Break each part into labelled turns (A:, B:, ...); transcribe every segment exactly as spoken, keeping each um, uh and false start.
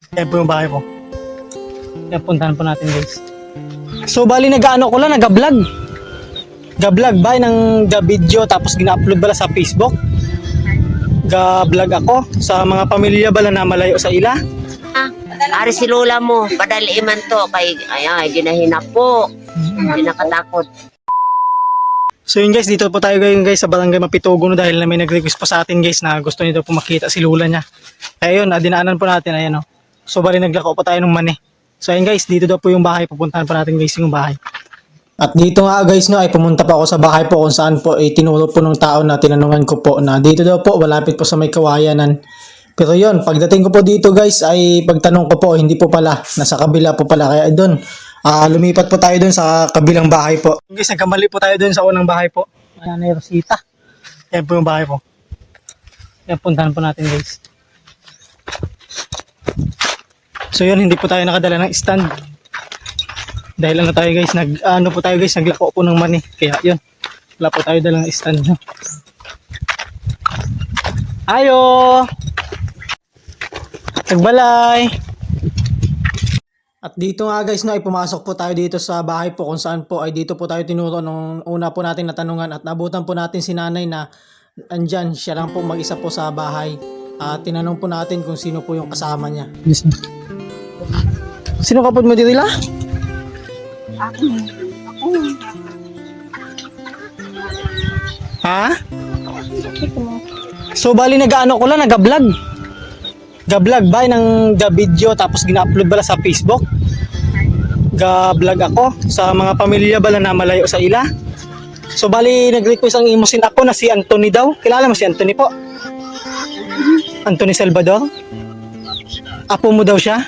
A: Yan po yung bahay ko. Yan, puntahan po natin guys. So bali nag-ano ko lang, nag-vlog. Ga-vlog ba ng ga-video tapos gina-upload bala sa Facebook. Ga-vlog ako sa mga pamilya bala na malayo sa ila.
B: Ah, ari si lola mo, padali man to kay ay, ay ginahinap po. Hindi nakatakot.
A: So yun guys, dito po tayo ngayon guys sa Barangay Mapitugo no, dahil na may nag-request po sa atin guys na gusto niyo daw po makita si lola niya. Kaya yun, dinaanan po natin, ayan o. So bali naglako po tayo ng mani. So ayun guys, dito daw po yung bahay, pupuntahan po natin guys yung bahay. At dito nga guys no, ay pumunta pa ako sa bahay po kung saan po ay tinuro po ng tao na tinanungan ko po na dito daw po, malapit po sa may kawayanan. Pero yun, pagdating ko po dito guys ay pagtanong ko po, hindi po pala, nasa kabila po pala. Kaya doon, uh, lumipat po tayo doon sa kabilang bahay po. Guys, nagkamali po tayo doon sa unang bahay po. Ayan na Rosita. Yan po yung bahay po. Yan, puntahan po natin guys. So yun, hindi po tayo nakadala ng stand. Dahil ano tayo guys, nag ano po tayo guys, naglako po ng mani. Kaya yun, wala po tayo dalang stand. Ayo! Nagbalay! At dito nga guys, no, ay pumasok po tayo dito sa bahay po kung saan po ay dito po tayo tinuro nung una po natin natanungan at nabutan po natin si nanay na andyan, siya lang po mag-isa po sa bahay. At tinanong po natin kung sino po yung kasama niya. Yes, sino kapod mo dito la?
B: Ako, ako.
A: Ha? So bali nag-ano ko lang, nag-vlog. Ga-vlog ba ng ga-video tapos gina-upload bala sa Facebook. Ga-vlog ako sa mga pamilya bala na malayo sa ila. So bali nag-request ang imusin ako na si Anthony daw. Kilala mo si Anthony po? Anthony Salvador? Apo mo daw siya?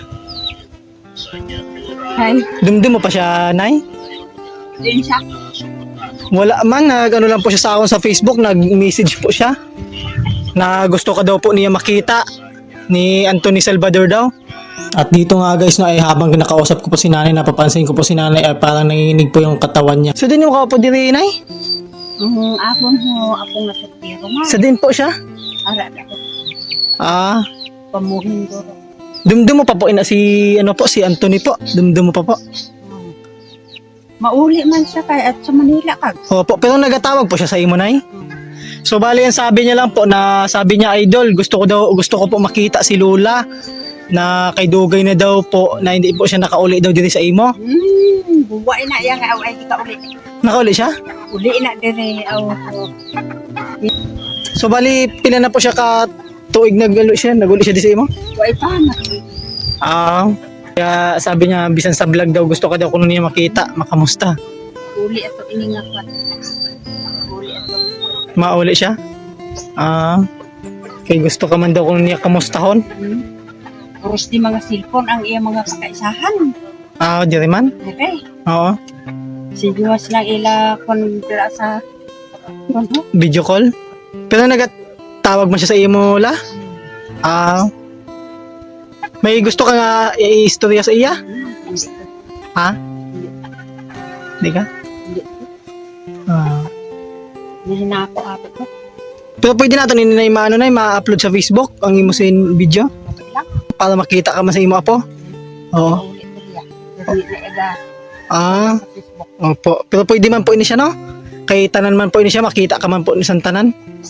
B: Hi.
A: Dumdum mo pa siya, Nay?
B: Din siya.
A: Wala man, nag ano lang po siya sa akin sa Facebook, nag-message po siya na gusto ka daw po niya makita ni Anthony Salvador daw. At dito nga guys, no, ay habang nakausap ko po si nanay, napapansin ko po si nanay ay parang nanginginig po yung katawan niya. So din yung kapo diri, Nay?
B: Um, ako ho, ako nga sa tiro nga.
A: Sa din po siya?
B: Ara ako.
A: Ah,
B: Pamuhin ko.
A: dumdum mo pa po ina si ano po si Anthony po. Dumdum mo pa po.
B: Hmm. Mauli man siya kay at sa Manila kag.
A: Opo, pero nagatawag po siya sa imo, Nay.
B: Hmm.
A: So bali yan sabi niya lang po na sabi niya, idol, gusto ko daw gusto ko po makita si Lola na kay dugay na daw po na hindi po siya nakauli daw dito sa imo.
B: Hmm, buway na yang aw ay di ka uli.
A: Nakauli siya?
B: Uli na dire aw.
A: So bali pila na po siya ka tuig nagalo siya, naguli siya di sa imo?
B: Buway pa na.
A: Ah, kaya sabi niya bisan sa vlog daw gusto ka daw kuno niya makita, makamusta.
B: Uli ato iningat pa. Uli ato.
A: Mauli siya? Ah, kay gusto ka man daw kuno niya kamustahon.
B: Hmm. Puros di mga cellphone ang iya mga pakaisahan.
A: Ah, di rin man?
B: Okay.
A: Oo,
B: Sinuwas lang ila kon dira sa ano?
A: video call. Pero nagatawag mo siya sa imo la? Ah, may gusto ka nga i-istorya sa iya?
B: Hindi.
A: Ha? Hindi ka?
B: Hindi.
A: Ah.
B: Hindi na ako ako ko.
A: Pero pwede natin ini na maano na ma-upload sa Facebook ang imo sin video
B: Okay lang.
A: para makita ka man sa imo apo. Oo.
B: Ulit na diya. Hindi na ega
A: Ah,
B: sa Facebook.
A: opo. Pero pwede man po ini siya no? Kay tanan man po ini siya, makita ka man po ni sa tanan.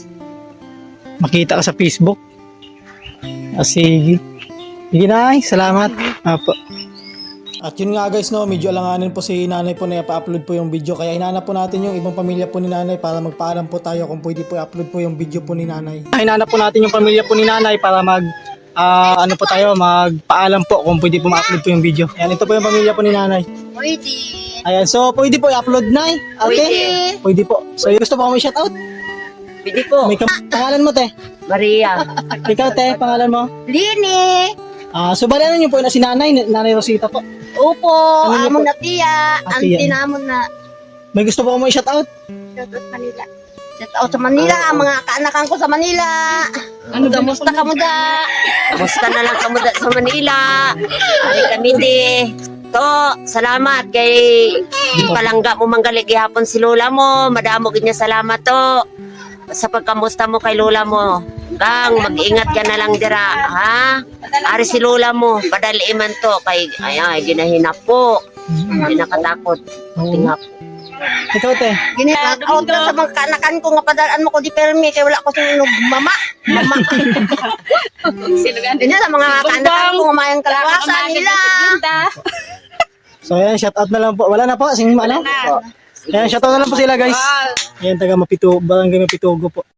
A: Makita ka sa Facebook. Ah, sige. Sige na, salamat. Apo. At yun nga guys, no, medyo alanganin po si nanay po na ipa-upload po yung video. Kaya hinanap po natin yung ibang pamilya po ni nanay para magpaalam po tayo kung pwede po i-upload po yung video po ni nanay. Hinanap po natin yung pamilya po ni nanay para mag, ah, ano po tayo, magpaalam po kung pwede po ma-upload po yung video. Ayan, ito po yung pamilya po ni nanay.
B: Pwede.
A: Ayan, so pwede po i-upload na eh. Okay?
B: Pwede.
A: Pwede po. So gusto po kami shoutout?
B: Pwede po.
A: May kam- pangalan mo te?
B: Maria.
A: Ikaw te, pangalan mo?
B: Lini.
A: Ah, so bali ano niyo po na si nanay, nanay Rosita po.
B: Opo,
A: Ano niyo
B: amo
A: po?
B: na tiya.
A: Ah,
B: Ang
A: tiya.
B: tinamon na.
A: May gusto po kami shoutout?
B: Shout out Manila. Shout out sa Manila, ang mga kaanakan ko sa Manila. Ano, kamusta ka mo da? Kamusta na lang ka mo da sa Manila? Ari kami di. To, salamat kay palangga mo manggali gihapon si lola mo. Madamo gid niya salamat to. Sa pagkamusta mo kay lola mo. Kang, mag-ingat ka na lang dira, ha? Ari si Lola mo, padali man to. Kay, ay, ay, ginahinap po. Hindi nakatakot.
A: Oo.
B: Tingap.
A: Ikaw, te.
B: Ginit-out na sa mga kanakan ko nga padalaan mo ko di permi kay wala ko sinunog mama. Mama. Hindi sa mga kanakan ko nga mayang kalawasan nila.
A: So ayan, shout out na lang po. Wala na po, sing ano? Ayan, shout out na lang po sila guys. Ayan, taga Mapito, Barangay Mapitugo po.